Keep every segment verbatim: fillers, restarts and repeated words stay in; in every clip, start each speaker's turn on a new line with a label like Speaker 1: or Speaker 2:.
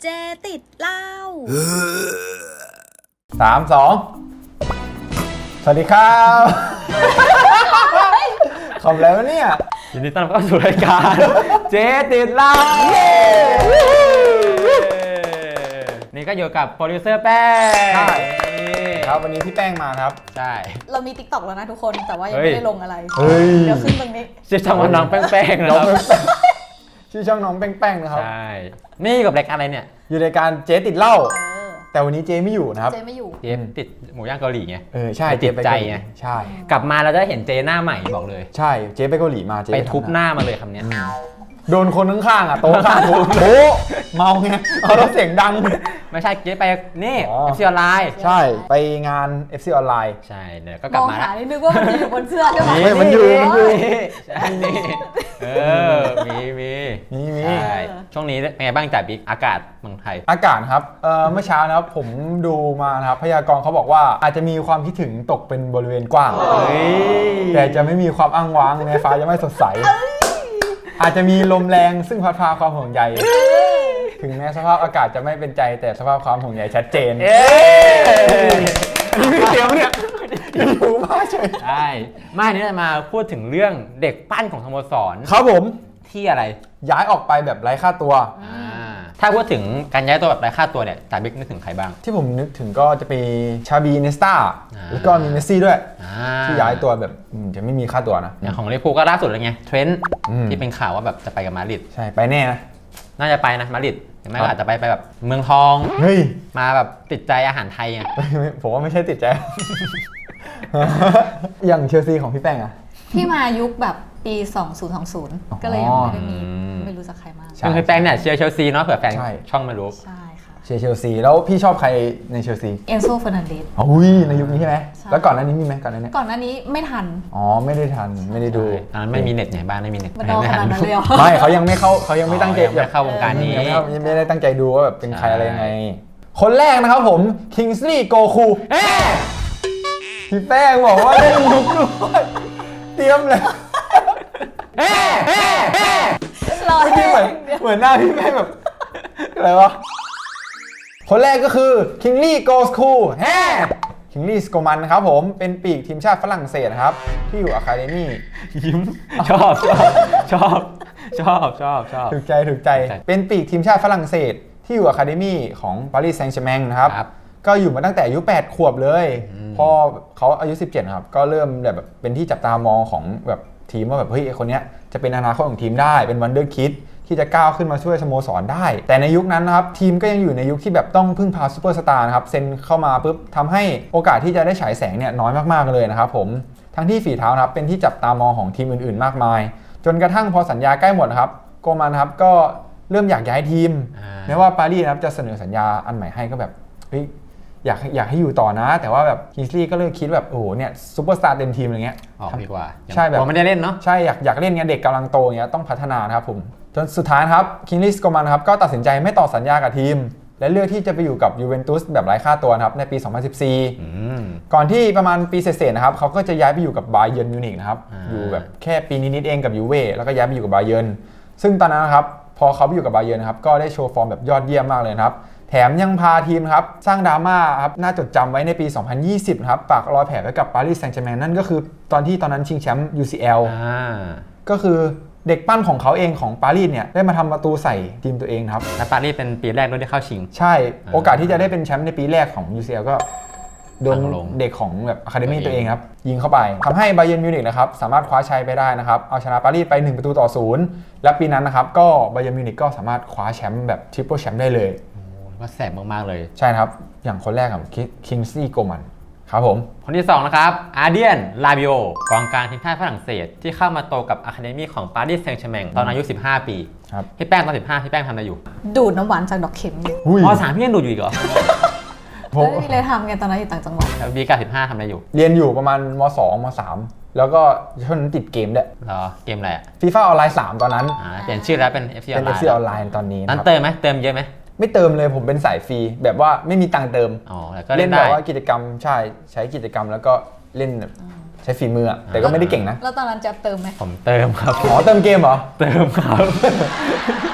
Speaker 1: เจติดเหล้า
Speaker 2: สามสองสวัสดีครับขอบแล้วเนี่ย
Speaker 3: ยินดีต้อนรับเข้าสู่รายการเจติดเหล้านี่ก็อยู่กับโปรดิวเซอร์แป้ง
Speaker 2: ใช่ครับวันนี้พี่แป้งมาครับ
Speaker 3: ใช่
Speaker 1: เรามี ติ๊กต็อก แล้วนะทุกคนแต่ว่ายังไม่ได้ลงอะไรเดี๋ยวขึ้นตรงนี้
Speaker 3: ชื่อช่องว่าน้องแป้งๆนะครับ
Speaker 2: ชื่อช่องน้องแป้งๆนะครับ
Speaker 3: ใช่นี่กับรายการอะไรเนี่ย
Speaker 2: อยู่ในการเจ๊ติดเหล้าแต่วันนี้เจ๊ไม่อยู่นะครับ
Speaker 1: เจ๊ไม่อยู่
Speaker 3: เจ๊ติดหมูย่างเกาหลีไง
Speaker 2: เออใช่
Speaker 3: ติดใจไง
Speaker 2: ใช่
Speaker 3: กลับมาเราจะเห็นเจ๊หน้าใหม่บอกเลย
Speaker 2: ใช่เจ๊ไปเกาหลีมาเจ๊
Speaker 3: ไปทุบหน้ามาเลยคำนี้
Speaker 2: โดนคนข้างๆอ่ะโต๊ะข้างโต๊ะเมาไงเอาแล้วเสียงดัง
Speaker 3: ไม่ใช่เจ๊ไปนี่ เอฟ ซี ออนไลน์
Speaker 2: ใช่ไปงาน เอฟ ซี ออนไลน์
Speaker 3: ใช่เดี๋ยวก็กลับมา
Speaker 1: แล้วมองหาได้นึกว่ามันอยู่บนเสื้อใช่ไหม
Speaker 2: มันอยู่มันอยู่
Speaker 3: ใช่นี่เออมีมี
Speaker 2: มีมี
Speaker 3: ช่วงนี้เป็นไงบ้างจ่าบิ๊กอากาศเมืองไทย
Speaker 2: อากาศครับเอ่อเมื่อเช้านะครับผมดูมานะครับพยากรณ์เขาบอกว่าอาจจะมีความคิดถึงตกเป็นบริเวณกว้างแต่จะไม่มีความอ้างว้างในฟ้าจะไม่สดใสอาจจะมีลมแรงซึ่งพัดพาความห่วงใยถึงแม้สภาพอากาศจะไม่เป็นใจแต่สภาพความห่วงใยชัดเจนนี่เดียวเนี่ยอยู่มากเฉย
Speaker 3: ใช่ไม่นี่จะมาพูดถึงเรื่องเด็กปั้นของสโมสร
Speaker 2: ครับผม
Speaker 3: ที่อะไร
Speaker 2: ย้ายออกไปแบบไร้ค่าตัว
Speaker 3: ถ้าพูดถึงการย้ายตัวแบบไร้ค่าตัวเนี่ยจ่าบิ๊กนึกถึงใครบ้าง
Speaker 2: ที่ผมนึกถึงก็จะเป็นชาบีเนสตาแล้วก็มีเมสซี่ด้วยที่ย้ายตัวแบบจะไม่มีค่าตัวนะ
Speaker 3: อย่างของลิเวอร์พูลก็ล่าสุดเลยไงเทรนต์ที่เป็นข่าวว่าแบบจะไปกับมาดริด
Speaker 2: ใช่ไปแน่นะ
Speaker 3: น่าจะไปนะมาดริดไม่ก็อาจจะไปไปแบบเมืองทอง
Speaker 2: เฮ้ย
Speaker 3: มาแบบติดใจอาหารไทยไง
Speaker 2: ผมว่าไม่ใช่ติดใจอย่างเชลซีของพี่แป้งอะ
Speaker 1: พี่มายุคแบบปีสองพันยี่สิบก็เลยยังไม่ได้มีไม่รู้จักใครมาก
Speaker 3: คือพี่แป้งเนี่ยเชียร์เชลซีเนาะเผื่อแฟนช่องไม่รู้
Speaker 1: ใช่ค่ะ
Speaker 2: เชียร์เชลซีแล้วพี่ชอบใครในเชลซี
Speaker 1: เอนโซเฟอร์นันเดส
Speaker 2: อุ้ยในยุคนี้ใช่ไหมแล้วก่อนหน้านี้มีไหมก่อนหน้านี้
Speaker 1: ก่อนหน้านี้ไม่ทัน
Speaker 2: อ๋อไม่ได้ทันไม่ได้ดู
Speaker 3: ตอนนั้นไม่มีเน็ตไงบ้านไม่มีเน็ต
Speaker 1: ไม่ทันเลย
Speaker 2: ไม่เขายังไม่เข้าเขายังไม่ตั้งใจ
Speaker 3: จะเข้าวงการนี้
Speaker 2: ยังไม่ได้ตั้งใจดูว่าแบบเป็นใครอะไรยังไงคนแรกนะครับผมคิงส์ลีย์โกคูพี่แป้งบอกว่าเล่นยุคด้วยเตรียมเลย
Speaker 1: รอที่เหมือน
Speaker 2: เหมือนหน้าพี่แป้งแบบอะไรวะคนแรกก็คือคิงลี่โกสคูแฮคิงลี่สโกมันครับผมเป็นปีกทีมชาติฝรั่งเศสครับที่อยู่อะคาเดมี่
Speaker 3: ยิ้มชอบชอบชอบชอบชอบชอบ
Speaker 2: ถูกใจถูกใจเป็นปีกทีมชาติฝรั่งเศสที่อยู่อะคาเดมี่ของปารีสแซงต์แชร์แมงนะครับก็อยู่มาตั้งแต่อายุแปดขวบเลยพอเขาอายุสิบเจ็ดครับก็เริ่มแบบเป็นที่จับตามองของแบบทีมว่าแบบเฮ้ยคนนี้จะเป็นอนาคตของทีมได้เป็นวันเดอร์คิดที่จะก้าวขึ้นมาช่วยสโมสรได้แต่ในยุคนั้นนะครับทีมก็ยังอยู่ในยุคที่แบบต้องพึ่งพาซูเปอร์สตาร์นะครับเซ็นเข้ามาปุ๊บทำให้โอกาสที่จะได้ฉายแสงเนี่ยน้อยมากๆเลยนะครับผมทั้งที่ฝีเท้านะครับเป็นที่จับตามองของทีมอื่นๆมากมายจนกระทั่งพอสัญญาใกล้หมดนะครับโกมันครับก็เริ่มอยากย้ายทีมแม้ว่าปารีสนะครับจะเสนอสัญญาอันใหม่ให้ก็แบบเฮ้ยอยากอยากให้อยู่ต่อนะแต่ว่าแบบคิงส์ลีย์ก็เลยคิดแบบโอ้โหเนี่ยซูเปอร์สตาร์เต็มทีมอะไรเงี้ย
Speaker 3: ออกดีกว่า
Speaker 2: ใช่แบบ
Speaker 3: ไม่ได้เล่นเนาะ
Speaker 2: ใช่อยากอยากเล่นเงี้ยเด็กกำลังโตเงี้ยต้องพัฒนานะครับผมจนสุดท้ายครับคิงส์ลีย์สโกมันครับก็ตัดสินใจไม่ต่อสัญญากับทีมและเลือกที่จะไปอยู่กับยูเวนตุสแบบไร้ค่าตัวนะครับในปีสองพันสิบสี่ก่อนที่ประมาณปีเศษๆนะครับเขาก็จะย้ายไปอยู่กับบาเยิร์นมิวนิกนะครับอยู่แบบแค่ปีนิดๆเองกับยูเว่แล้วก็ย้ายไปอยู่กับบาเยิร์นซึ่งตอนนั้นนะครับพอเขาไปอยู่กับบาเยิร์นครับก็ได้โชว์ฟอร์มแบบยอดเยี่ยมมากเลยครับแถมยังพาทีมครับสร้างดราม่าครับน่าจดจำไว้ในปีสองพันยี่สิบครับปากรอยแผลไว้กับปารีสแซงต์แชร์แมงนั่นก็คือตอนที่ตอนนั้นชิงแชมป์ ยู ซี แอล ก็คือเด็กปั้นของเขาเองของปารีสเนี่ยได้มาทำประตูใส่ทีมตัวเองครับ
Speaker 3: และปารีสเป็นปีแรกด้วยที่เข้าชิง
Speaker 2: ใช่โอกาสที่จะได้เป็นแชมป์ในปีแรกของ ยู ซี แอล ก็โดนเด็กของแบบอะคาเดมี่ตัวเองครับยิงเข้าไปทำให้บาเยิร์นมิวนิกนะครับสามารถคว้าชัยไปได้นะครับเอาชนะปารีสไปหนึ่งประตูต่อศูนย์และปีนั้นนะครับก็บาเยิร์นมิวนิกก็สามารถคว้าแชมป์แบบทริปเปิลแชมป์ได้เลย
Speaker 3: ว่าแสบมากๆเลย
Speaker 2: ใช่ครับอย่างคนแรกครับคิงส์ลีย์โกมันครับผม
Speaker 3: คนที่สองนะครับอาร์เดียนลาบิโอกองกลางทีมชาติฝรั่งเศสที่เข้ามาโตกับอะคาเดมี่ของปารีสแซงต์แชร์แมงตอนอายุสิบห้าปี
Speaker 2: ครับ
Speaker 3: พี่แป้งตอนสิบห้าพี่แป้งทำอะไรอยู่
Speaker 1: ดูดน้ำหวานจากดอกเข็มอยู่
Speaker 3: อ๋อสามพี่ยังดูดอยู่อีกเหรอ
Speaker 1: ไม่มีเลยทำไงตอนนั้นอยู่ต่างจังหวัด
Speaker 3: แล้วบีกับสิบห้าทำอะไรอยู่
Speaker 2: เรียนอยู่ประมาณม.สอง ม.สาม แล้วก็ช่วงนั้นติดเกมด้วย
Speaker 3: เหรอเกมอะไรอะ
Speaker 2: ฟีฟ่าออนไลน์สามตอนนั้น
Speaker 3: อ่าเปลี่ยนชื่อแล้วเป็น เอฟ ซี ออนไลน์
Speaker 2: เป็น เอฟ ซี ออนไลน์ตอนนี้
Speaker 3: นั้นเติมไหมเติมเยอะไหม
Speaker 2: ไม่เติมเลยผมเป็นสายฟรีแบบว่าไม่มีตังค์เติม
Speaker 3: อ๋อแล้วก็
Speaker 2: เล่นแบบว่ากิจกรรมใช่ใช้กิจกรรมแล้วก็เล่นใช้ฝีมือแต่ก็ไม่ได้เก่งนะ
Speaker 1: แล้วตอนนั้นจะเติมไหม
Speaker 3: ผมเติมครับ
Speaker 2: อ๋อเติมเกมเหรอ
Speaker 3: เติมครับ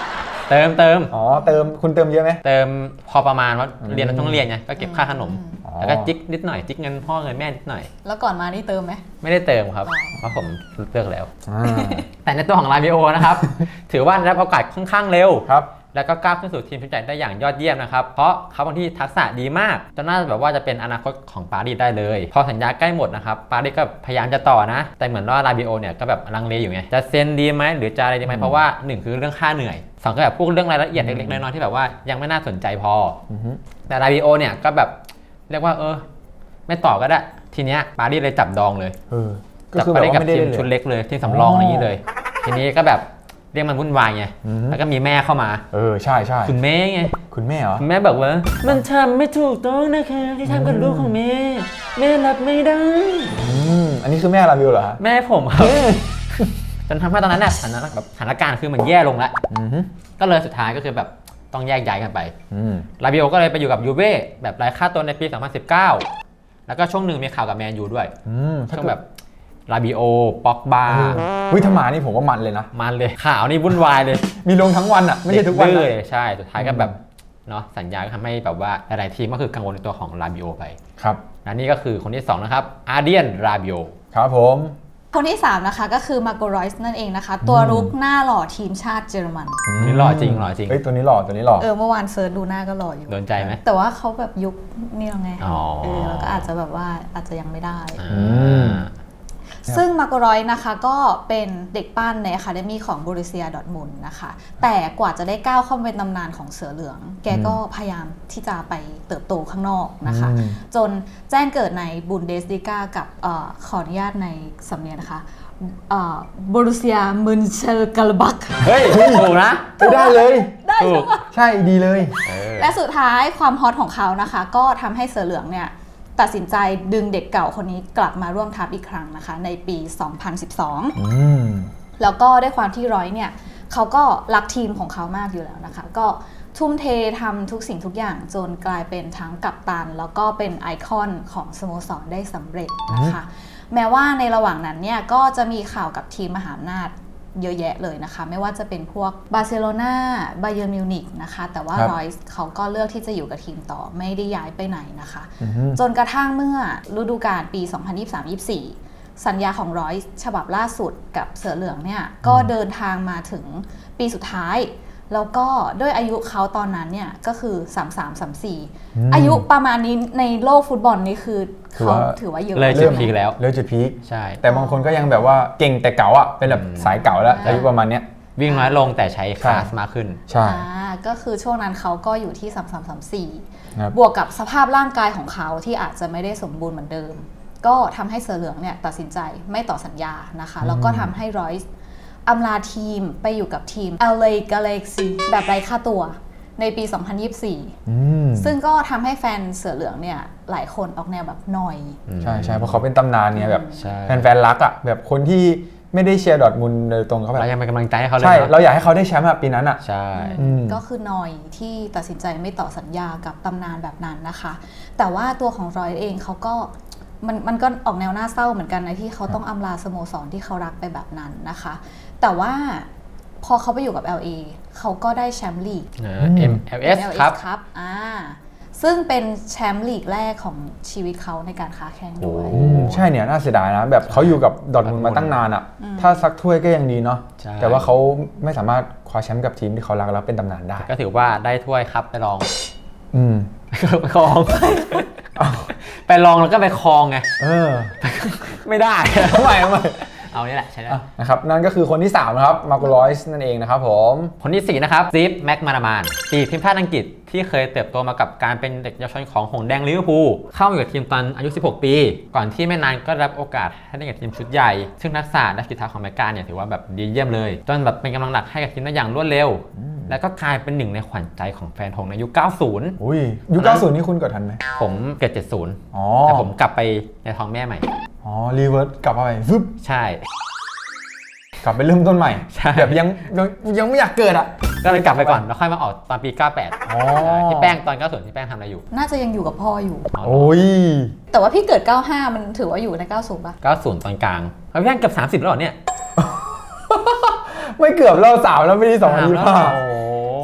Speaker 3: เติมเติม
Speaker 2: อ๋อเติมคุณเติมเยอะไหม
Speaker 3: เติมพอประมาณว่า
Speaker 2: อืม
Speaker 3: เรียนเราต้องเรียนไงก็เก็บค่าขนม
Speaker 2: อ๋อ
Speaker 3: แล้วก็จิ๊กนิดหน่อยจิ๊กเงินพ่อเงินแม่นิดหน่อย
Speaker 1: แล้วก่อนมานี่เติมไหม
Speaker 3: ไม่ได้เติมครับ
Speaker 1: อ๋อ
Speaker 3: เพราะผมเลิกแล้ว
Speaker 2: อ่า
Speaker 3: แต่ในตัวของลาบิโอนะครับ ถือว่าได้รับโอกาสค่อนข้างเร็ว
Speaker 2: ครับ
Speaker 3: แล้วก็ก้าวขึ้นสู่ทีมชุดใหญ่ได้อย่างยอดเยี่ยมนะครับ เพราะเขาบางที่ทักษะดีมากจนน่าจะแบบว่าจะเป็นอนาคตของปารีสได้เลย พอสัญญาใกล้หมดนะครับ ปารีสก็พยายามจะต่อนะ แต่เหมือนว่าลาบิโอเนี่ยก็แบบลังเลอยู่ไง จะเซ็นดีไหมหรือจะอะไรดีไหม
Speaker 2: อืม
Speaker 3: เพราะว่าหนึ่งคือเรื่องค่าเหนื่อยสองก็แบบพวกเรื่องรายละเอียดเล็กๆน้อยๆที่แบบว่ายังไม่น่าสนใจพอ
Speaker 2: อือฮึ
Speaker 3: แต่ลาบิโอเนี่ยก็แบบเรียกว่าเออไม่ต่อก็ได้ ทีเนี้ยปารีสเลยจับดองเลย
Speaker 2: เออก็
Speaker 3: จับ
Speaker 2: คือ
Speaker 3: ไป
Speaker 2: แบบ
Speaker 3: ได้
Speaker 2: ว่า
Speaker 3: กับ
Speaker 2: ไม่ได้
Speaker 3: ทีม
Speaker 2: เล่น
Speaker 3: ชุด
Speaker 2: เลย
Speaker 3: เล็กเลยทีมสำรองอะไรอย่างนี้เลย ทีนี้ก็แบบเรียกมันวุ่นวายไง
Speaker 2: อือฮึ
Speaker 3: แล้วก็มีแม่เข้ามา
Speaker 2: เออใช่ใช่
Speaker 3: คุณแม่ไง
Speaker 2: คุณแม่เหรอ
Speaker 3: คุณแม่บอกว่ามันทำไม่ถูกต้องนะคะที่ทำกับลูกของแม่แม่รับไม่ได้
Speaker 2: อืมอันนี้คือแม่ลาบิวเหรอฮะ
Speaker 3: แม่ผมครับจนทำให้ตอนนั้นน่ะสถานะแบบสถานการณ์คือมันแย่ลงแล้ว
Speaker 2: อือฮึ
Speaker 3: ก็เลยสุดท้ายก็คือแบบต้องแยกย้ายกันไป
Speaker 2: อืม
Speaker 3: ลาบิโอก็เลยไปอยู่กับยูเว่แบบไร้ค่าตัวในปี สองพันสิบเก้า แล้วก็ช่วงหนึ่งมีข่าวกับแมนยูด้วย
Speaker 2: อืมถ้า
Speaker 3: ช่วง
Speaker 2: เกิ
Speaker 3: แบ
Speaker 2: ด
Speaker 3: บลาบิโอป็อกบา
Speaker 2: เออวิธมานี่ผมว่ามันเลยนะ
Speaker 3: มันเลยข่าวนี่วุ่นวายเลย
Speaker 2: มีลงทั้งวันอ่ะ ไม่ใช่ทุกวัน
Speaker 3: เล
Speaker 2: นะ
Speaker 3: ยใช่สุดท้ายก็แบบเนาะสัญญาก็ทำให้แบบว่าหลายๆทีมก็คือกังวลในตัวของลาบิโอไป
Speaker 2: ครับ
Speaker 3: และนี่ก็คือคนที่สองนะครับอาร์เดียนลาบิโอ
Speaker 2: ครับผม
Speaker 1: คนที่ สาม นะคะก็คือมาโกรอยส์นั่นเองนะคะ ตัวรุกหน้าหล่อทีมชาติเยอรมัน
Speaker 3: นี่หล่อจริงหล่อจริง
Speaker 2: เฮ้ยตัวนี้หล่อตัวนี้หล่อ
Speaker 1: เออเมื่อวานเซิร์ชดูหน้าก็หล่ออยู่
Speaker 3: โดนใจไหม
Speaker 1: แต่ว่าเขาแบบยุคนี่เราไง
Speaker 3: อ๋อ
Speaker 1: เออแล้วก็อาจจะแบบว่าอาจจะยังไม่ได้
Speaker 3: อ่า
Speaker 1: ซึ่งมาโกรอยส์นะคะก็เป็นเด็กปั้นในอะคาเดมี่ของบรูเซียดอร์ทมุนด์นะคะ แต่กว่าจะได้ก้าวเข้ามาเป็นตำนานของเสือเหลือง แกก็พยายามที่จะไปเติบโตข้างนอกนะคะ
Speaker 2: อืม
Speaker 1: จนแจ้งเกิดในบุนเดสลิกากับเออขออนุญาตในสำเนียงนะคะบรูเซียมุนเชลกาลบัก
Speaker 3: เฮ้ยถูกนะ
Speaker 2: ไม่ได้เลย
Speaker 1: ได้
Speaker 3: ถู
Speaker 1: ใช่
Speaker 3: ก
Speaker 1: ปะ
Speaker 2: ใช่ดีเลย
Speaker 3: เออ
Speaker 1: และสุดท้ายความฮอตของเขานะคะ ก็ทำให้เสือเหลืองเนี่ยตัดสินใจดึงเด็กเก่าคนนี้กลับมาร่วมทัพอีกครั้งนะคะ ในปี สองพันสิบสอง
Speaker 2: อืม
Speaker 1: แล้วก็ด้วยความที่ร้อยเนี่ยเขาก็รักทีมของเขามากอยู่แล้วนะคะ ก็ทุ่มเททำทุกสิ่งทุกอย่างจนกลายเป็นทั้งกัปตัน แล้วก็เป็นไอคอนของสโมสรได้สำเร็จนะคะ แม้ว่าในระหว่างนั้นเนี่ยก็จะมีข่าวกับทีมมหาอำนาจเยอะแยะเลยนะคะ ไม่ว่าจะเป็นพวกบาร์เซโลนาบาเยิร์นมิวนิกนะคะ แต่ว่า
Speaker 2: ครับ
Speaker 1: รอยส์เขาก็เลือกที่จะอยู่กับทีมต่อไม่ได้ย้ายไปไหนนะคะ
Speaker 2: อือฮึ
Speaker 1: จนกระทั่งเมื่อฤดูกาลปี สองพันยี่สิบสาม ยี่สิบสี่ สัญญาของรอยส์ฉบับล่าสุดกับเสือเหลืองเนี่ยก็เดินทางมาถึงปีสุดท้าย แล้วก็ด้วยอายุเขาตอนนั้นเนี่ยก็คือ สามสิบสาม สามสิบสี่
Speaker 2: อืม
Speaker 1: อายุประมาณนี้ในโลกฟุตบอลนี่คือ
Speaker 2: ถือ
Speaker 1: เขา
Speaker 2: ว่า
Speaker 1: ถือว่าเยอะ
Speaker 3: เลยจุดพีคแล้ว
Speaker 2: เริ่มจุดพีค
Speaker 3: ใช่
Speaker 2: แต่บางคนก็ยังแบบว่าเก่งแต่เก่าอ่ะ เป็นแบบ
Speaker 3: อืม
Speaker 2: สายเก่าแล้วอายุประมาณเนี้ย
Speaker 3: วิ่งน้อยลงแต่ใช้คลาสมากขึ้น
Speaker 2: ใช่
Speaker 1: อ่าก็คือช่วงนั้นเขาก็อยู่ที่ สามสิบสาม สามสิบสี่
Speaker 2: ครับ
Speaker 1: บวกกับสภาพร่างกายของเขาที่อาจจะไม่ได้สมบูรณ์เหมือนเดิม ก็ทำให้เสือเหลืองเนี่ยตัดสินใจไม่ต่อสัญญานะคะ แล้วก็ทำให้รอยส์อำลาทีมไปอยู่กับทีม แอล เอ Galaxy แบบไร้ค่าตัวในปี สองพันยี่สิบสี่
Speaker 2: อืม
Speaker 1: ซึ่งก็ทำให้แฟนเสือเหลืองเนี่ยหลายคนออกแนวแบบหน่อย
Speaker 2: ใช่ใช่เพราะเขาเป็นตำนานเนี่ยแบบ
Speaker 3: ใช่
Speaker 2: แฟนๆรักอ่ะแบบคนที่ไม่ได้เชียร์ดอร์ทมุนด์โดยตรงเขาแบบ
Speaker 3: เรายังเป็นกำลังใจให้เขาเลย
Speaker 2: ใช่
Speaker 3: นะ
Speaker 2: เราอยากให้เขาได้แชมป์อะปีนั้นอ่ะ
Speaker 3: ใช่
Speaker 2: อืม
Speaker 1: ก็คือหน่อยที่ตัดสินใจไม่ต่อสัญญากับตำนานแบบนั้นนะคะ แต่ว่าตัวของรอยเองเขาก็มันมันก็ออกแนวน่าเศร้าเหมือนกันนะที่เขาต้องอำลาสโมสรที่เขารักไปแบบนั้นนะคะ แต่ว่าพอเขาไปอยู่กับ แอล เอ เขาก็ได้แชมป์ลีก
Speaker 3: เออ เอ็ม แอล เอส ครับ
Speaker 1: ครับอ่าซึ่งเป็นแชมป์ลีกแรกของชีวิตเขาในการค้าแข่งด้วย
Speaker 3: โอ้
Speaker 2: อืมใช่เนี่ยน่าเสียดายนะ แบบเขาอยู่กับดอร์ทมุนด์มาตั้งนานอ่ะ ถ้าซักถ้วยก็ยังดีเนาะ
Speaker 3: ใช่
Speaker 2: แต่ว่าเขาไม่สามารถคว้าแชมป์กับทีมที่เขารักแล้วเป็นตำนานได้
Speaker 3: ก็ถือว่าได้ถ้วยครับไปลอง
Speaker 2: อืม
Speaker 3: ไปคลอง ไปลองแล้วก็ไปคลองไง
Speaker 2: เออ
Speaker 3: ไม่ได้
Speaker 2: ทำไมทำไม
Speaker 3: เอานี่แหละใช่ได้
Speaker 2: อ่ะนะครับนั่นก็คือคนที่สามนะครับมาร์โกลอยส์นั่นเองนะครับผม
Speaker 3: คนที่สี่นะครับซีฟแม็กมานามานปีกทีมชาติอังกฤษที่เคยเติบโตมากับการเป็นเด็กเยาวชนของหงส์แดงลิเวอร์พูลเข้ามาอยู่กับทีมตอนอายุสิบหกปีก่อนที่ไม่นานก็ได้รับโอกาสให้เล่นกับทีมชุดใหญ่ซึ่งทักษะและสกิลทักของแม็กกาเนี่ยถือว่าแบบดีเยี่ยมเลยจนแบบเป็นกำลังหลักให้กับทีมได้อย่างรวดเร็ว แล้วก็กลายเป็นหนึ่งในขวัญใจของแฟนหงส์ในยุคเก้าสิบ
Speaker 2: อุ้ยยุคเก้าสิบนี่คุณเกิดทันไหม
Speaker 3: ผมเกิดเจ็ดสิบ
Speaker 2: อ๋อ
Speaker 3: แต่ผมกลับไปในท้องแม่ใหม่
Speaker 2: อ๋อรีเวิร์สกลับมาใหม่ฟึบ
Speaker 3: ใช่
Speaker 2: กลับไปเริ่มต้นใหม่
Speaker 3: ใช่
Speaker 2: แบบยังยังยังไม่อยากเกิดอ่ะ
Speaker 3: ก็เลยกลับไปก่อนแล้วค่อยมาออกตอนปีเก้าแปด
Speaker 2: อ๋อ
Speaker 3: ที่แป้งตอนเก้าสิบที่แป้งทำอะไรอยู่
Speaker 1: น่าจะยังอยู่กับพ่ออยู่
Speaker 3: อ๋อ
Speaker 2: โอ้ย
Speaker 1: แต่ว่าพี่เกิด เก้าห้า มันถือว่าอยู่ใน เก้าสิบ ป่ะ
Speaker 3: เก้าสิบตอนกลางแล้วพี่แป้งเกือบสามสิบแล้วเหรอเนี่ย
Speaker 2: ไม่เกือบเราสาวแล้วไม่ได้สองพันยี่สิบห้า
Speaker 3: โอ้โห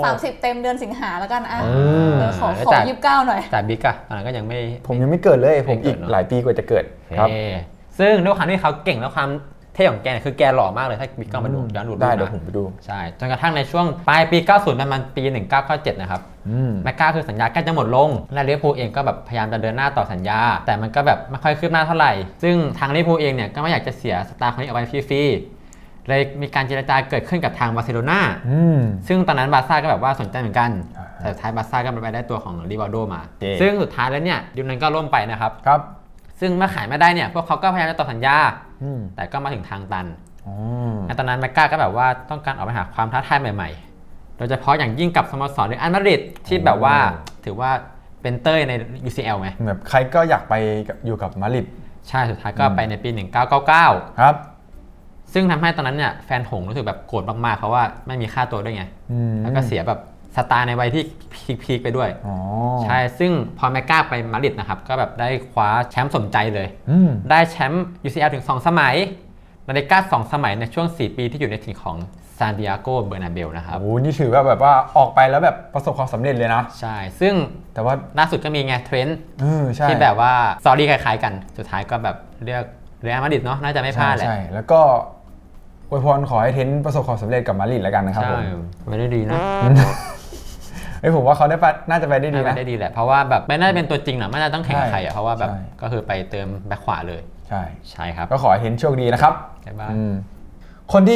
Speaker 1: สามสิบเต็มเดือนสิงหาแล้วกันอ่ะ
Speaker 2: อืม
Speaker 1: เออขอ
Speaker 3: แล้ว
Speaker 1: ขอ
Speaker 3: จาก
Speaker 1: ยี่สิบเก้าหน่อย
Speaker 3: แต่บิ๊กอะตอนนั้นก็ยังไม่
Speaker 2: ผมยังไม่เกิดเลยผม
Speaker 3: ไม่เกิ
Speaker 2: อี
Speaker 3: ด
Speaker 2: ก
Speaker 3: เนอะ
Speaker 2: หลายปีกว่าจะเกิดครับ
Speaker 3: เท่ซึ่งด้วยความที่เขาเก่งแล้วความเท่ของแกเนี่ยคือแกหล่อมากเลยถ้าบิ๊กก็มาดูย้อนดู
Speaker 2: ได้
Speaker 3: รูปนะ
Speaker 2: เดี๋ยวผมไปดู
Speaker 3: ใช่จนกระทั่งในช่วงปลายปี เก้าสิบ ประมาณปี หนึ่งเก้าเก้าเจ็ด นะครับ
Speaker 2: อืม
Speaker 3: แมกกาคือสัญญาใกล้จะหมดลง และลิเวอร์พูลเองก็แบบพยายามจะเดินหน้าต่อสัญญา แต่มันก็แบบไม่ค่อยคืบหน้าเท่าไหร่ ซึ่งทางลิเวอร์พูลเองเนี่ยก็ไม่อยากจะเสียสตาร์คนนี้เอาไว้ฟรีๆเลยมีการเจรจาเกิดขึ้นกับทางบาร์เซโลนา
Speaker 2: อืม
Speaker 3: ซึ่งตอนนั้นบาร์ซ่าก็แบบว่าสนใจเหมือนกัน
Speaker 2: อ่า
Speaker 3: แต่สุดท้ายบาร์ซ่าก็ไปได้ตัวของริวาโดมา
Speaker 2: โอเค
Speaker 3: ซึ่งสุดท้ายแล้วเนี่ยดิวนั้นก็ล่มไปนะครับ
Speaker 2: ครับ
Speaker 3: ซึ่งเมื่อขายไม่ได้เนี่ยพวกเขาก็พยายามจะต่อสัญญา
Speaker 2: อืม
Speaker 3: แต่ก็มาถึงทางตัน
Speaker 2: อ๋อ
Speaker 3: ในตอนนั้นแมกกาก็แบบว่าต้องการออกไปหาความท้าทายใหม่ๆ โดยเฉพาะอย่างยิ่งกับสโมสรเรอัลมาดริดที่แบบว่าถือว่าเป็นเต้ยใน ยู ซี แอล ไง
Speaker 2: แบบใครก็อยากไปกับอยู่กับมาดริด
Speaker 3: ใช่สุดท้ายก็ไปในปี หนึ่งเก้าเก้าเก้า
Speaker 2: ครับ
Speaker 3: ซึ่งทำให้ตอนนั้นเนี่ยแฟนหงส์รู้สึกแบบโกรธมากๆเพราะว่าไม่มีค่าตัวด้วยไง
Speaker 2: อืม
Speaker 3: แล้วก็เสียแบบสตาร์ในวัยที่พีคๆไปด้วย
Speaker 2: อ๋อ
Speaker 3: ใช่ ซึ่งพอแมกกาไปมาดริดนะครับ ก็แบบได้คว้าแชมป์สมใจเลย
Speaker 2: อืม
Speaker 3: ได้แชมป์ ยู ซี แอล ถึง สอง สมัยลาลิก้าสองสมัยในช่วง สี่ ปีที่อยู่ในถิ่นของซานดิเอโกเบอร์นาเบลนะครับ
Speaker 2: โอ้โหนี่ถือว่าแบบว่าออกไปแล้วแบบประสบความสำเร็จเลยนะ
Speaker 3: ใช่ ซึ่ง
Speaker 2: แต่ว่า
Speaker 3: ล่าสุดก็มีไงเทรนด์
Speaker 2: เออใช่
Speaker 3: ที่แบบว่าสตอรี่คล้ายๆกัน สุดท้ายก็แบบเลือกเรอัลมาดริดเนาะ น่าจะไม่พลาดแหละ
Speaker 2: ใช่ใช่แล้วก็อวยพรขอให้เทนต์ประสบความสำเร็จกับมาดริดแล้วกันนะครับ
Speaker 3: ใช่
Speaker 2: ผม
Speaker 3: ไม่ได้ดีนะ
Speaker 2: เฮ้ยผมว่าเขาได้ไปน่าจะไปได้ดี
Speaker 3: น่า
Speaker 2: นะ
Speaker 3: จะได้ดีแหละ เพราะว่าแบบไม่น่าจะเป็นตัวจริงหรอกไม่น่าต้องแข่งกับ
Speaker 2: ใช่
Speaker 3: ใครอ่ะ เพราะว่าแบบ
Speaker 2: ใช่
Speaker 3: ก็คือไปเติมแบ็คขวาเลย
Speaker 2: ใช่
Speaker 3: ใช่ครับ
Speaker 2: ก็ขอให้เทนต์โชคดีนะครับ
Speaker 3: ใช่บ้าง
Speaker 2: อืมคนที่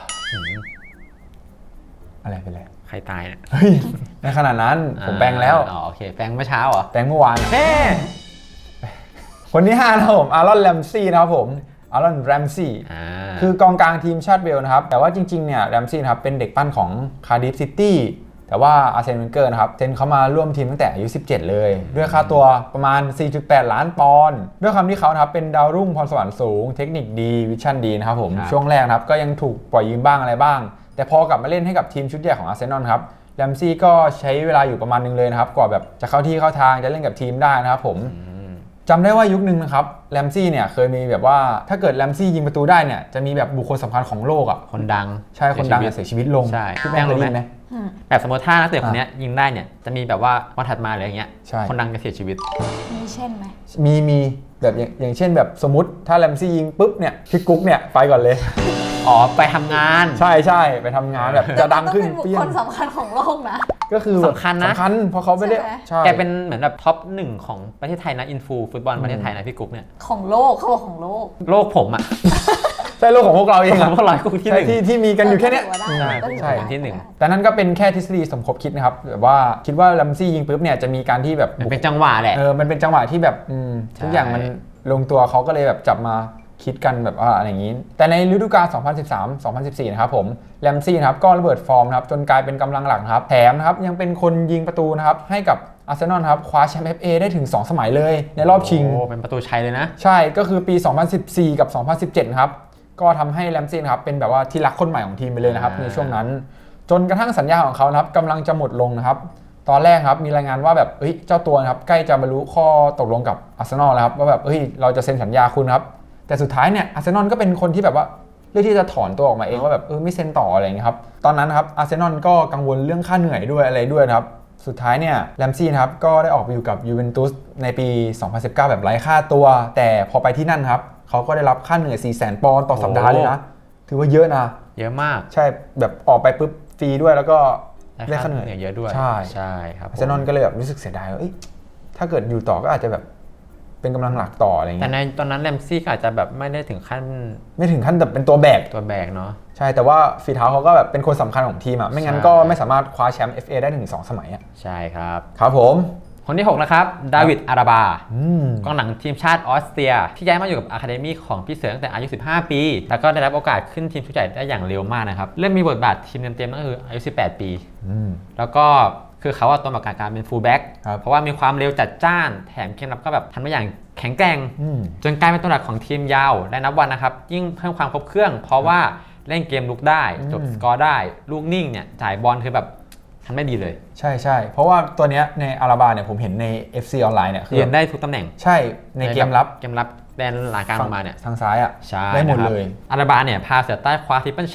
Speaker 2: อะไรเป็นไร
Speaker 3: ใครตายเนี่ย
Speaker 2: เฮ้ยในขนาดนั้นผมแปลงแล้ว
Speaker 3: อ๋อโอเคแปลงเมื่อเช้าเหรอ
Speaker 2: แปลงเมื่อวาน
Speaker 3: แม่
Speaker 2: คนที่ห้านะครับผมอารอนแรมซี่นะครับผมอารอนแรมซี่
Speaker 3: อ่า
Speaker 2: คือกองกลางทีมชาติเวลส์นะครับ แต่ว่าจริงๆเนี่ยแรมซี่นะครับเป็นเด็กปั้นของคาร์ดิฟซิตี้แต่ว่าอาร์เซนเวนเกอร์นะครับเซ็นเขามาร่วมทีมตั้งแต่อายุสิบเจ็ดเลย ด้วยค่าตัวประมาณ สี่จุดแปด ล้านปอนด์ด้วยความที่เขานะครับเป็นดาวรุ่งพรสวรรค์สูง เทคนิคดีวิชั่นดีนะครับผม
Speaker 3: ครับ
Speaker 2: ช่วงแรกนะครับก็ยังถูกปล่อยยืมบ้างอะไรบ้าง แต่พอกลับมาเล่นให้กับทีมชุดใหญ่ของอาร์เซนอลครับแรมซี่ก็ใช้เวลาอยู่ประมาณนึงเลยนะครับกว่าแบบจะเข้าที่เข้าทางจะเล่นกับทีมได้นะครับผม จำได้ว่ายุคนึงนะครับแรมซี่เนี่ยเคยมีแบบว่าถ้าเกิดแรมซี่ยิงประตูได้เนี่ยจะมีแบบบุคคลสำคัญของโลกอ่ะ
Speaker 3: คนดัง
Speaker 2: ใช่คนดัง
Speaker 3: เสี
Speaker 2: เนี่ย
Speaker 3: ยชีวิต
Speaker 2: เสียชีวิตลง
Speaker 3: ใช่
Speaker 2: พี่แม่งเคยได้ยินไหม
Speaker 1: อืม
Speaker 3: แบบสมมติถ้านักเตะคนเนี้ยยิงได้เนี่ยจะมีแบบว่าวันถัดมาหรืออย่างเงี้ย
Speaker 2: ใช่
Speaker 3: คนดังจะเสียชีวิต
Speaker 1: มีเช่นไหม
Speaker 2: มีมีแบบอย่างอย่างเช่นแบบสมมติถ้าแรมซี่ยิงปุ๊บเนี่ยพี่กุ๊กเนี่ยไปก่อนเลย
Speaker 3: อ๋อไปทำงาน
Speaker 2: ใช่ใช่ไปทำงานแบบจะดังขึ้น
Speaker 1: แต่มั
Speaker 2: เปี้ย
Speaker 1: ต้องเป็นบุคคลสำคัญของโลกนะ
Speaker 2: ก็คือแบบ
Speaker 3: สำคัญนะ
Speaker 2: สำคัญเพราะเขาไม่ได้
Speaker 1: ใช่ไหม
Speaker 2: ใช่
Speaker 3: แกเป็นเหมือนแบบท็อปหนึ่งของประเทศไทยนะอินฟูฟุตบอลประเทศไทยนะพี่กุ๊กเนี่ย
Speaker 1: ของโลกเขาบอกของโลก
Speaker 3: โลกผมอ่ะ
Speaker 2: ใช่โลกของพวกเราเอง
Speaker 3: ขอ
Speaker 2: อะ
Speaker 3: งพวกเรากุ๊กที่ห
Speaker 2: ใช่
Speaker 3: นึ่ง
Speaker 2: ที่ที่มีกันอยู่แค่เนี้ย
Speaker 1: ก็ถืว่า
Speaker 3: ใช่
Speaker 1: ได้ก็ถือ
Speaker 2: ใช่
Speaker 1: ว่าได้
Speaker 3: ที่หนึ่ง
Speaker 2: แต่นั้นก็เป็นแค่ทฤษฎีสมคบคิดนะครับแบบว่าคิดว่าแรมซี่ยิงปุ๊บเนี่ยจะมีการที่แบบ
Speaker 3: มันเป็นจังหวะแหละ
Speaker 2: เออ มันเป็นจังหวะที่แบบอืม
Speaker 3: ใช่
Speaker 2: ทุกอย่างมันลงตัวเขาก็เลยแบบจับมาคิดกันแบบว่าอะไรอย่างนี้ แต่ในฤดูกาล สองพันสิบสาม สองพันสิบสี่ นะครับผม แรมซี่นะครับก็ระเบิดฟอร์มนะครับจนกลายเป็นกำลังหลักนะครับ แถมนะครับยังเป็นคนยิงประตูนะครับให้กับอาร์เซนอลนะครับคว้าแชมป์ เอฟ เอ ได้ถึง สอง สมัยเลยในรอบชิง
Speaker 3: โอ้เป็นประตูชัยเลยนะ
Speaker 2: ใช่ ก็คือปี สองพันสิบสี่ กับ สองพันสิบเจ็ด นะครับ ก็ทำให้แรมซี่นะครับเป็นแบบว่าที่รักคนใหม่ของทีมไปเลยนะครับ
Speaker 3: อ่า
Speaker 2: ในช่วงนั้น จนกระทั่งสัญญาของเขานะครับกำลังจะหมดลงนะครับ ตอนแรกครับมีรายงานว่าแบบเฮ้ยเจ้าตัวนะครับใกล้จะบรรลุข้อตกลงกับอาร์เซนอลแล้วครับว่าแบบเฮ้ยเราจะเซ็นสัญญาคุณครับ แต่สุดท้ายเนี่ยอาร์เซนอลก็เป็นคนที่แบบว่าเลือกที่จะถอนตัวออกมาเองว่าแบบเออไม่เซ็นต่ออะไรอย่างเงี้ยครับ ตอนนั้นนะครับอาร์เซนอลก็กังวลเรื่องค่าเหนื่อยด้วยอะไรด้วยนะครับ สุดท้ายเนี่ยแรมซี่นะครับก็ได้ออกไปอยู่กับยูเวนตุสในปี สองพันสิบเก้า แบบไร้ค่าตัว แต่พอไปที่นั่นครับเขาก็ได้รับค่าเหนื่อย สี่แสน ปอนด์ต่อสัปดาห์เลยนะ ถือว่าเยอะนะ
Speaker 3: เยอะมาก
Speaker 2: ใช่แบบออกไปปุ๊บฟรีด้วยแล้วก็ได้ค่าเหนื่อย
Speaker 3: เยอะด้วย
Speaker 2: ใช่
Speaker 3: ใช่ครับ
Speaker 2: อาร์เซนอลก็เลยแบบรู้สึกเสียดายว่าเอ้ยถ้าเกิดอยู่ต่อก็อาจจะแบบเป็นกำลังหลักต่ออะไร
Speaker 3: แต่
Speaker 2: เงี้ย
Speaker 3: ในตอนนั้นแรมซี่ก็อาจจะแบบไม่ได้ถึงขั้น
Speaker 2: ไม่ถึงขั้นแบบเป็นตัวแบก
Speaker 3: ตัวแบกเนาะ
Speaker 2: ใช่แต่ว่าฝีเท้าเขาก็แบบเป็นคนสำคัญของทีมอ่ะไม่งั้น
Speaker 3: ใช่
Speaker 2: ก็ไม่สามารถคว้าแชมป์ เอฟ เอ ได้ถึงสองสมัยอ่ะ
Speaker 3: ใช่ครับ
Speaker 2: ครับผม
Speaker 3: คนที่หกนะครับดาวิดอาราบา
Speaker 2: อืม
Speaker 3: กองหลังทีมชาติออสเตรีย ที่ย้ายมาอยู่กับอะคาเดมี่ของพี่เสือตั้งแต่อายุ สิบห้า ปี แล้วก็ได้รับโอกาสขึ้นทีมชุดใหญ่ได้อย่างเร็วมากนะครับเริ่มมีบทบาททีมเต็มๆนั่นก็คืออายุ สิบแปด ปี
Speaker 2: อืม
Speaker 3: แล้วก็คือเขาอะตัวมาการการเป็นฟูลแบ็ก
Speaker 2: ครับ
Speaker 3: เพราะว่ามีความเร็วจัดจ้านแถมเกมรับก็แบบทำได้อย่างแข็งแกร่ง
Speaker 2: อืม
Speaker 3: จนกลายเป็นตัวหลักของทีมยาวและนับวันนะครับยิ่งเพิ่มความครบเครื่อง เพราะว่าเล่นเกมลุกได้จบ
Speaker 2: อืม
Speaker 3: สกอร์ได้ลูกนิ่งเนี่ยจ่ายบอลคือแบบทำได้ดีเลย
Speaker 2: ใช่ใช่เพราะว่าตัวเนี้ยในอาราบาเนี่ยผมเห็นใน เอฟ ซี ออนไลน์เนี่ยคือ
Speaker 3: เรียนได้ทุกตำแหน่ง
Speaker 2: ใช่ในเกมรับ
Speaker 3: เกมรับแดนหลังกลางลงมาเนี่ย
Speaker 2: ทางซ้ายอ่ะ
Speaker 3: ใช่
Speaker 2: ได้หมด
Speaker 3: นะครับ
Speaker 2: เลย
Speaker 3: อาราบาเนี่ยพาเสือใต้คว้าทริปเปิลแชมป์